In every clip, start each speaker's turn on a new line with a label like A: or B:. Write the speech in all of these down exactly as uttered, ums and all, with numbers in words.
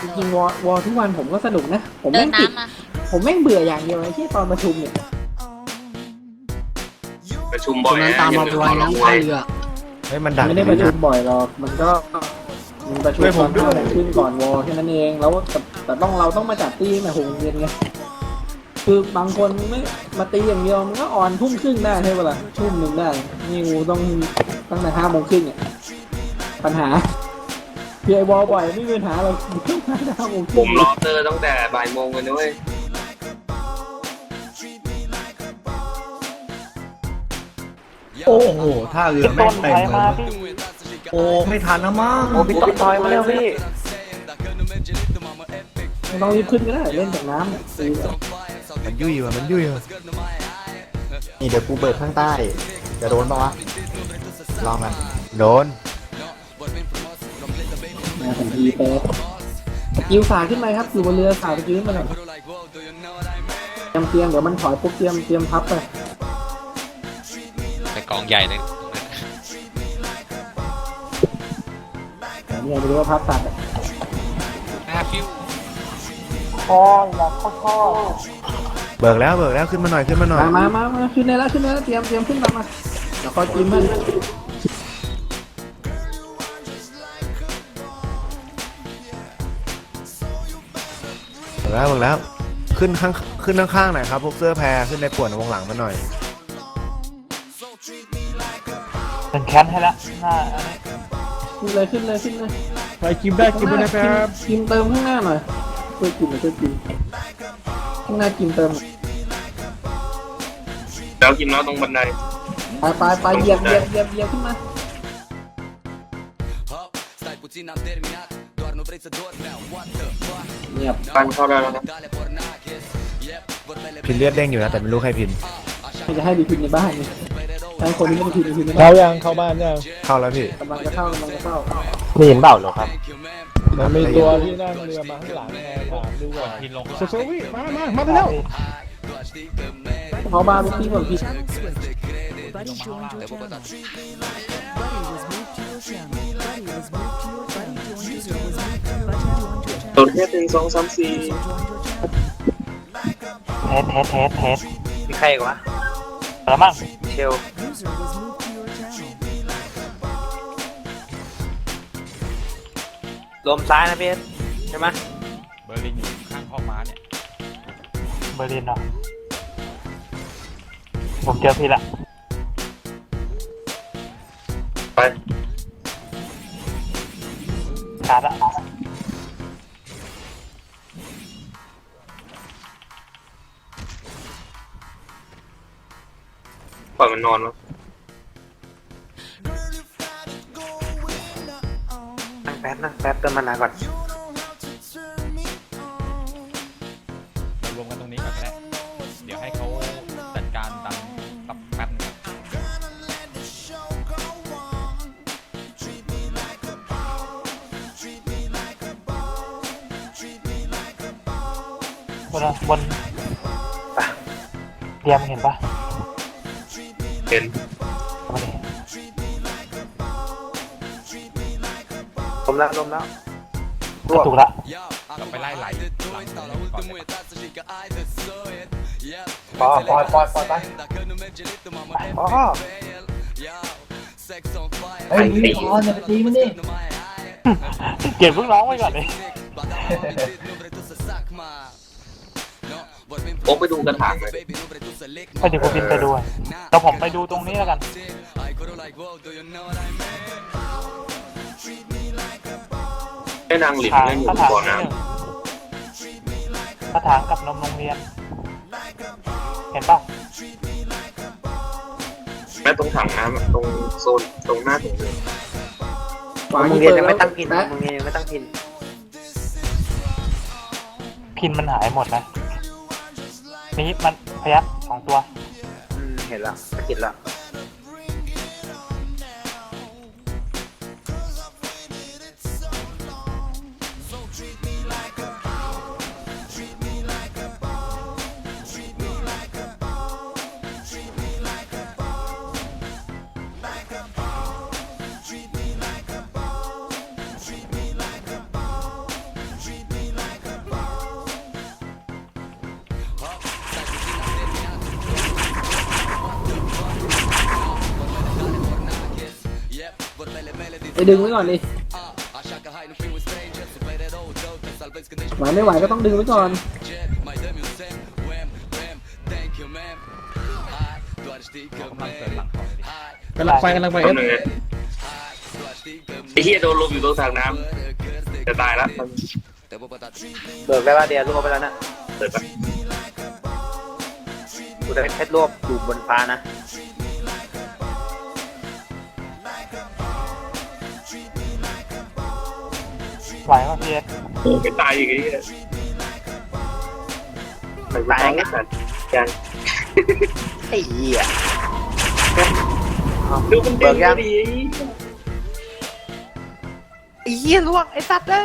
A: ริงๆวอลวอลทุกวันผมก็สนุกนะผม
B: เดิ
A: แม่
B: น
A: งติด
B: น้ำมา
A: ผมแม่งเบื่ออย่างเดียวไอ้ที่ตอนประชุมเนี่ย
C: ประชุม
D: ต
C: บ่
D: ร
C: อย
D: งนั้น
C: นะ
D: ตาม
C: อย่
D: มา
C: ลื
D: ไว้นะท่าเรือ
E: เฮ้ยมันดัง
A: ไม่ได้ประชุมบ่อยหรอกมันก็มีประชุม
E: ช่วย
A: ต
E: ผ
A: อ
E: ม
A: น
E: ด้วย
A: ห้าโมงครึ่งก่อนวอลแค่นั้นเองแล้วแต่แต่ต้องเราต้องมาจัดตีมาหกโมงเย็นไงคือบางคนไม่มาตีอย่างเดียวมันก็ออนทุ่มครึ่งได้ใช่ปะล่ะทุ่มหนึ่งได้นี่กูต้องตั้งแต่ห้าโมงครึ่งเนี่ยปัญหาพีไอวอลบ่อยไม่มีปัญหาเราต้องมาห้าโมงค
C: ผ
A: รึ่ง
C: มรอเตอร์ตั้งแต่บ่ายโมงเลยนะเว้ย
E: โอ้โหท่าเรือแม่งเต็มเลยโอ้ไม่ทันนะมั้ง
F: โอ้พี่ต้นทอยมาแล้วพี่
A: ไม่ต้องรีบขึ้นก็ได้เล่นจากน้ำเนี่ยตี
E: มันยุ่ยว่ะมันยุ่ยว่ะ
D: นี่เดี๋ยวกูเบิกข้างใต้ จะโดนปะวะ ลองกัน
E: โดน
A: มาถึงทีเป๊ะยิวสายขึ้นไปครับอยู่บนเรือสายไปยืนมาหน่อยเตรียมเตรียมเดี๋ยวมันถอยปุ๊บเตรียมเตรียมพับไป
G: ในกองใหญ่เลย
A: แต่เนี่ยไม่รู้ว่าพับตัดอะ
G: หน้าฟิว
E: เบิกแล้วเบิกแล้วขึ้นมาหน่อยขึ้นมาหน่อย
A: มามามามาขึ้นได้แล้วขึ้นได้แล้วเตรียมเตรียมขึ้นตามมาเดี๋ยวคอยจิ้มมัน
E: เบิกแล้วเบิกแล้วขึ้นข้างขึ้นข้างๆหน่อยครับพวกเสื้อแพรขึ้นในป่วนวงหลังมาหน่อย
F: เป็นแคมให้ละหน้าอันนี้
A: ขึ้นเลยขึ้นเลยขึ้นเลย
E: ใครกินได้กินด้วยนะครับ
A: จิ้มเติมข้างหน้าหน่อยช่วยจิ้มหน่อยช่วยจิ้มข้างหน้าจิ้มเติม
C: แล้วกินน้อยตรงบันได
A: ไปไปไปเหยียบเหยียบเหยียบเหยียบขึ้นมา เงียบ
C: ปันเข้าได้แล้วนะ
E: พินเลือดเด้งอยู่นะแต่ไม่รู้ใครพิน
A: ไม่จะให้ดีพินในบ้านนี่ใช้คนที่ไม่ได้พินในพินในบ้า
H: เข้าน ยังเข้าบ้านยัง
E: เข้าแล้วพี่
A: กำลังจะเข้ากำลังจะเข้า
F: ไม่เห็นเปล่าหรอครับ
H: มันมีตัวที่นั่งเรือมาข้างหลังไงถามดูว่า
G: พินลง
H: โซโซวิมามามาไปแล้ว
A: เขาบ้านลูกพี่คนพี่
I: Buddy joined your channel. Buddy was moved to your channel. Buddy was moved to your channel. User was moved to your channel.
C: ตัวแค่หนึ่งสองสามสี่
I: User joined your channel.
F: เทสเทสเทสเทสมีใครอีกวะแล้วมั่งเชล
I: User was moved to your channel.
F: รวมซ้ายนะพี่ใช่ไหม
G: เบอร์ลินอยู่ข้างข้อม้าเนี่ย
F: เบอร์ลินเนาะผมเจอพี่ละ
C: ไป
F: ขาดละ
C: ปล่อยมันนอนวะ
F: นั่งแป๊บนั่งแป๊บเติมมานานก่อน
G: เรารวมกันตรงนี้ก่อนก็ได้เดี๋ยวให้เขาจัดการดันตับแป๊บนึง
F: บนบนปะเตรียมเห็นปะ
C: เห็น
F: มาดิลมแล้วลมแล้วถูกละ
G: เราไปไล่ไหลหลังตรงนี้ก่อนเลย
F: ปอปอยปอยปอยไปปอไอ้ตีปอเนี่ยไปตีมันดิเก็บลูกน้องไว้ก่อนเลย
C: โอ๊กไปดูกระถางเลย
F: ไปเดี๋ยวกูบินไปดูแต่ผมไปดูตรงนี้แล้วกัน
C: ให้นางหลิน
F: ถาง
C: เล่นอยู่
F: กระถาง
C: บ่อ
F: ที่
C: น้
F: หนึ่งกระถางกับนมโรงเรียน เห็นปะ
C: ำแม่ตรงถังน้ำอะตรงโซนตรงหน้าตรงนี้
F: โรงเรียนยังไม่ตั้งพินโรงเรียนยังไม่ตั้งพินพินมันหายหมดนะนี่มันพยักสองตัวเห็นแล้วสะกิดแล้ว
A: ไปดึงไว้ก่อนดิไหวไม่ไหวก็ต้องดึงไว้ก่อน
G: กำลังเกิดหลังของดิ
H: กำลังไปกำลังไป
C: ต้
H: เอ
C: น
H: ฟ
C: หนึ่งไอ้เหี้ยโดนลมอยู่ตรงทางน้ำจะตายละ
F: เบิกได้ป่ะเดียรวบไปแล้วนะ
C: เปิดปะ
F: กูจะเพชรรวบอยู่บนฟ้านะไหวป่ะพี่เอส
C: ไม่ตายอย่างงี้มันตายไงสัตว์ยัง
F: ไอ้เหี้ย
C: ดูมัน
F: เบิกยัง
C: ดี
F: ไอ้เหี้ยล่วงไอ้สัตว์เลย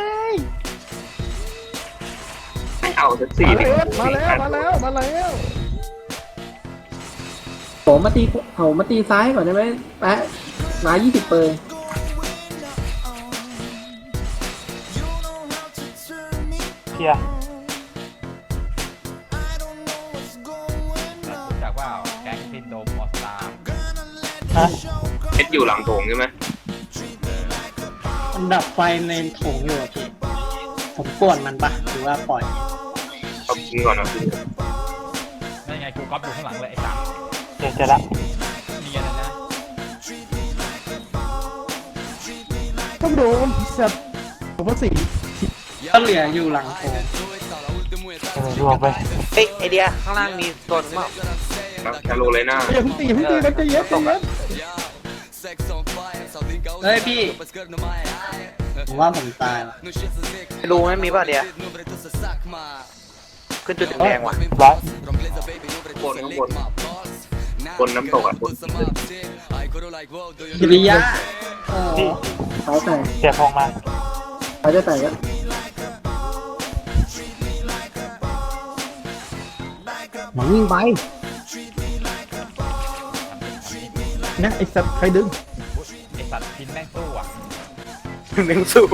C: ไม่เอาสักสี่
H: มาแล้วมาแล้วมาแล้ว
A: โหมาตีเอามาตีซ้ายก่อนได้ไหมแปะมายี่สิบเปอร์
F: เพีย
G: รู้จักว่าแก๊งซินโดมออสตาร์
F: ฮะ
C: เพชรอยู่หลังโถงใช่ไหม
B: มันดับไฟในโถงอยู่อะพี่ ผมป่วนมันปะหรือว่าปล่อย
C: เอากินก่อนเอากินก่อน
G: นั่นไงกูก๊อปอยู่ข้างหลังเลยไอ้สัตว์
F: เดี๋ยวจะละ
G: เนียนเลยนะ
H: ต้องโดนสัตว์ผมว่าสี่
B: ก็เหลืออยู่หลังโถง
F: เออรวบไปเฮ้ยไอเดียข้างล่างมีตัวนึงเปล่า
C: ครับชาโลเลยหน้า
H: อย่าเพิ่งตีอย่าเพิ่งตีมันจะเย็บตกแล้ว
B: เฮ้ยพี่ ผมว่าผมตายละ
F: รู้ไหมมีป่ะเดียขึ้นจุดแดงๆว่ะร้อย
C: บนข้างบนบนน้ำตกอ่ะบน
B: กิริยะ
F: พี่
A: สายแตก
F: เสียพงมา
A: สายจะแตกแล้ว
B: มันวิ่งไป
H: นะไอ้สัตว์ใครดึง
G: ไอ้สัตว์พินแม่งสู้อ่ะ
F: หนึ่งสู้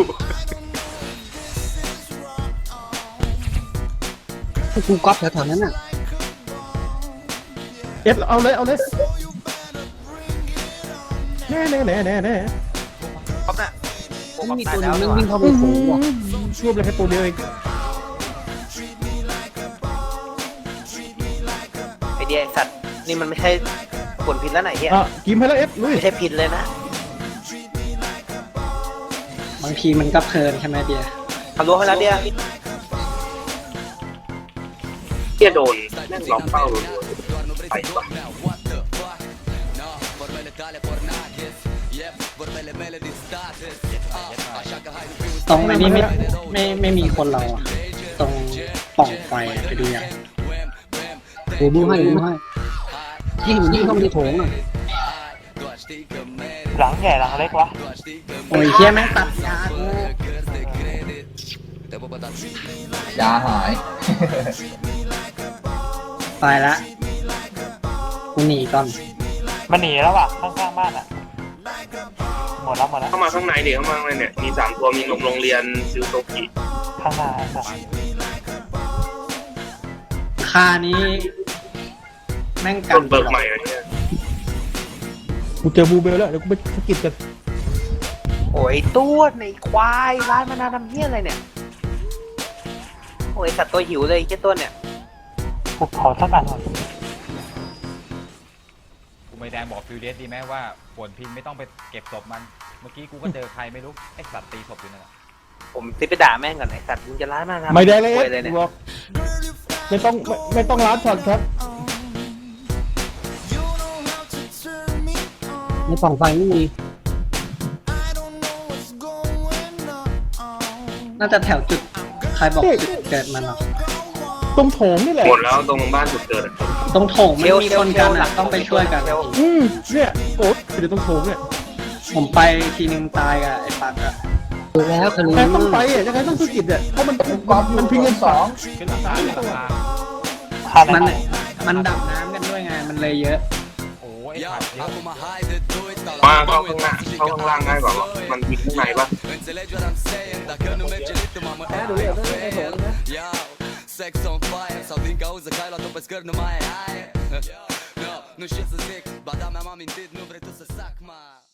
B: กูก๊อปแถวๆนั้นน่ะ
H: เอฟเอาเลยเอาเลยแน่แน่แน่แน่แน่
F: ป๊อปน่ะโอ้
B: มัน
F: ป๊อป
B: มี
F: ตาย
B: ตัวห
F: แล้
B: นึ
F: ว
B: ง
F: นี่
B: มัน
F: หว่า
B: วิ่งเข้าไปโถงว่ะ
H: รวบเลยแค่ตัวเดียวเอง
F: ไอเดียไอ้สัตว์นี่มันไม่ใช่ผลพิษแล้วไหนเฮีย
H: อ่ะกิมให้แล้วเอฟลุย
F: ไม่ใช่พิษเลยนะ
B: บางทีมันก็เพลินใช่ไหมเดีย
F: ทำรู้ให้แล้วเดีย
C: เหี้ยโดนแม่งล็อกเป้ารัวๆไปปะ
B: ตรงไอ้นี้ไม่ไม่ไม่มีคนเราอะตรงปล่องไฟอะไปดูยังโอ้ดูให้ดูให้ยิ่งยิ่งเข้าไปในโถงอ่ะ
F: หลังใหญ่หลังเล็กวะ
B: โอ้ยเฮียแม่งตัดยากู
J: ยาหาย
B: ตายละกูหนีก่อน
F: มันหนีแล้วว่ะข้างๆบ้านอ่ะหมดแล้วหมดแล้ว
C: เข้ามาข้างในเดี๋ยวเข้ามาข้างในเนี่ยมีสามตัวมีนมโรงเรียนซิลโตกิ
F: ข้างหน้าไอ้สัตว์
B: ค่านี้แม่งกั
C: ต้
B: น
C: นเบิกใหม่อะเนี่ย
H: กูเจอบูเบลแล้วเดี๋ยวกูไปสกิดกัน
F: โอ้ยตัวในควายร้านมานานทำเฮี้ยอะไรเนี่ยโอ้ยสัตว์ตัวหิวเลยแค่ตัวเนี่ยกูขอสักอันหน่อย
G: กูไม่แดงบอกฟิวเดสดีไหมว่าฝนพินไม่ต้องไปเก็บศพมัน เมื่อกี้กูก็เจอใครไม่รู้ไอ้สัตว์ตีศพอยู่นั่นแหละ
F: ผมติดไปด่าแม่งก่อนไอ้สัตว์มึงจะร้านมานาน
H: ไม่ได้เลยเอ
F: โว
H: ฟ
F: เลยเนี่ย
H: บอกไม่ต้องไม่ไม่ต้องล้านช็อตครับ
B: ในปล่องไฟไม่มีน่าจะแถวจุดใครบอกจุดเกิดมันหรอ
H: ตรงโถงนี่แหละ
C: หมดแล้วตรงบ้านจุดเกิดอะ
B: ตรงโถงมันมีคนกันอะต้องไปช่วยกัน
H: อืมเนี่ยโอ๊ตเดี๋ยวตรงโถงเนี่ย
B: ผมไปทีนึงตายกับไอ้ปักอะดูแล้วคือ
H: แต่ต้องไปอ่ะยังไงต้องสกิดอ่ะเพราะมันมันมันพิงกันสอง
G: ขึ้นหลังคาขึ้นหลังคา
B: มันมันดับน้ำกันด้วยไงมันเลยเยอะ
G: โอ้ยไอ้สัตว์เยอะ
C: มาเข้าข้างหน้าเข้าข้างล่างง่ายกว่ามันมีข้างในปะ
A: แพ้ดูเลยต้องในโถงนะ
K: Sex on fire, só vinga usa cai lá tô pescando no mai. No shit se sick, bada minha mama inteira no preto se sac, ma.